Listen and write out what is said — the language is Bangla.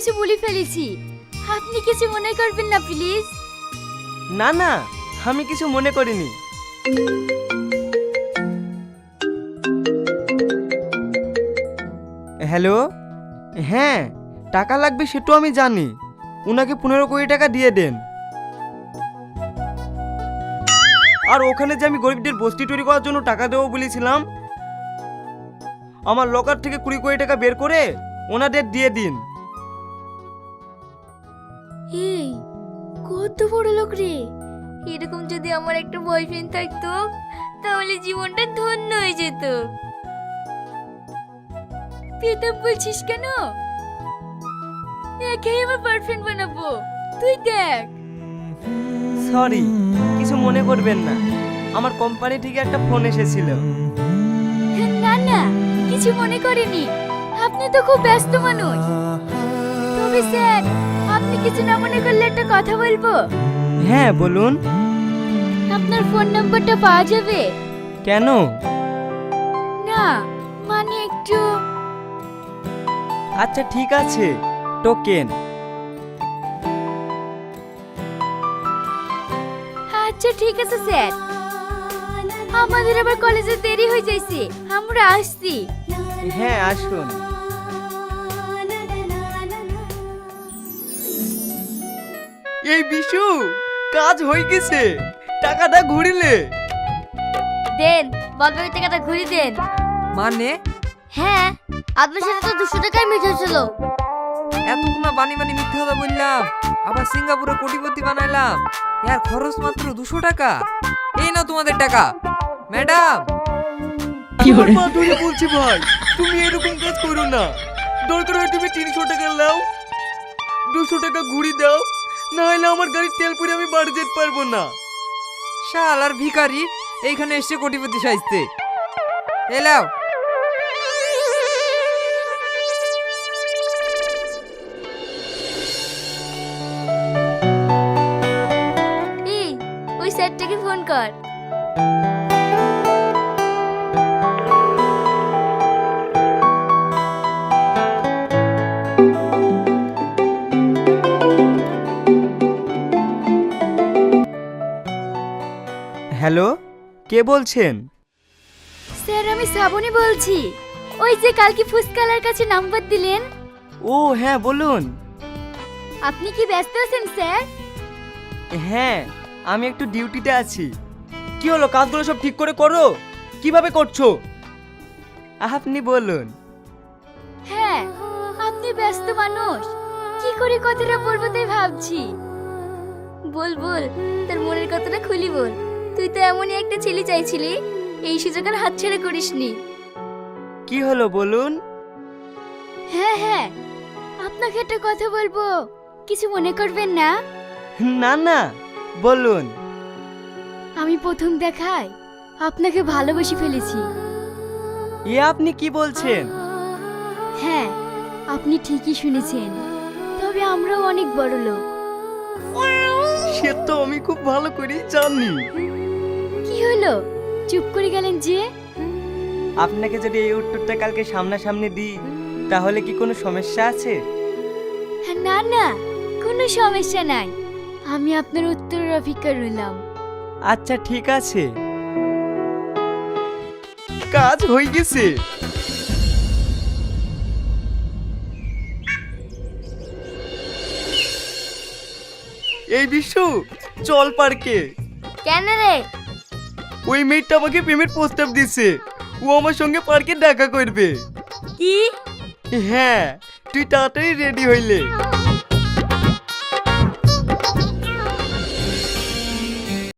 কিছু বলে ফেলেছি, আপনি কিছু মনে করবেন না প্লিজ। না না, আমি কিছু মনে করিনি। হ্যালো, হ্যাঁ টাকা লাগবে সেটা আমি জানি। উনাকে 15 কোটি টাকা দিয়ে দেন। আর ওখানে যে আমি গরিবদের বস্তি তৈরি করার জন্য টাকা দেবো বলেছিলাম, আমার লকার থেকে 20 কোটি টাকা বের করে ওনাদের দিয়ে দিন। এই কত বড় লোক রে! এরকম যদি আমার একটা বয়ফ্রেন্ড থাকতো তাহলে জীবনটা ধন্য হয়ে যেত। পেতাম বলছিস কেন? একেই আমার পারফেক্ট বানাবো, তুই দেখ। সরি, কিছু মনে করবেন না, আমার কোম্পানি থেকে একটা ফোন এসেছিল। না না, কিছু মনে করিনি। আপনি তো খুব ব্যস্ত মানুষ। তবে স্যার, আপনি কিছু না মনে করলে একটা কথা বলবো? হ্যাঁ বলুন। আপনার ফোন নাম্বারটা পাওয়া যাবে? কেন? না মানে একটু। আচ্ছা ঠিক আছে, টোকেন। আচ্ছা ঠিক আছে স্যার, আমাদের আবার কলেজে দেরি হয়ে যাইছে, আমরা আসছি। হ্যাঁ আসুন। এই বিশু, কাজ হয়ে গেছে, টাকাটা ঘুরিলে। দেন, বলবেন টাকাটা ঘুরিয়ে দেন। মানে হ্যাঁ, আপনার সাথে তো 200 টাকায় মিট হয়েছিল। এতগুলো বানি বানি মিথ্যা কথা বললাম, আবার সিঙ্গাপুরে কোটিপতি বানাইলাম, এর খরচ মাত্র 200 টাকা। এই নাও তোমাদের টাকা। ম্যাডাম, আমার পা ধরে বলছি ভাই, তুমি এরকম কাজ করো না। দরকার হয় তুমি 300 টাকা নাও, 200 টাকা ঘুরি দাও, না হলে আমার গাড়ির তেল পুরে আমি বাড়ি যেতে পারবো না। শাল আর ভিখারি এইখানে এসে কোটিপতি সাজতে। এলাও। এই, ওই স্যারটাকে ফোন কর। হ্যালো, কে বলছেন? স্যার আমি শ্রাবণী বলছি, ওই যে কালকে ফুসকালার কাছে নাম্বার দিলেন। ও হ্যাঁ বলুন। আপনি কি ব্যস্ত আছেন স্যার? হ্যাঁ, আমি একটু ডিউটিতে আছি। কি হলো, কাজগুলো সব ঠিক করে করো? কিভাবে করছো আপনি বলুন। হ্যাঁ, আপনি ব্যস্ত মানুষ, কি করে কথাটা বলবো তাই ভাবছি। বল বল, তোর মনের কথাটা খুলি বল। তুই তো এমনই একটা ছেলে চাইছিলি, এই সুযোগ আর হাতছাড়া করিসনি। কি হলো বলুন। হ্যাঁ হ্যাঁ, আপনাকে একটা কথা বলবো, কিছু মনে করবেন না? না না, বলুন। আমি প্রথম দেখায় আপনাকে ভালোবেসে ফেলেছি। এ আপনি কি বলছেন? হ্যাঁ, আপনি ঠিকই শুনেছেন, তবে আমরাও অনেক বড় লোক। সে তো আমি খুব ভালো করেই জানি। কি হলো, চুপ করে গেলেন যে? আপনাকে যদি এই উত্তরটা কালকে সামনাসামনি দিই তাহলে কি কোনো সমস্যা আছে? না না, কোনো সমস্যা নাই, আমি আপনার উত্তরের অপেক্ষা রইলাম। আচ্ছা ঠিক আছে। কাজ হয়ে গেছে। এই বিশ্ব, চল পার্কে। কেন রে? ওই মেয়েটা আমাকে প্রেমের প্রস্তাব দিছে, ও আমার সঙ্গে পার্কে দেখা করবে। কি? হ্যাঁ, তুই তাড়াতাড়ি রেডি হইলে।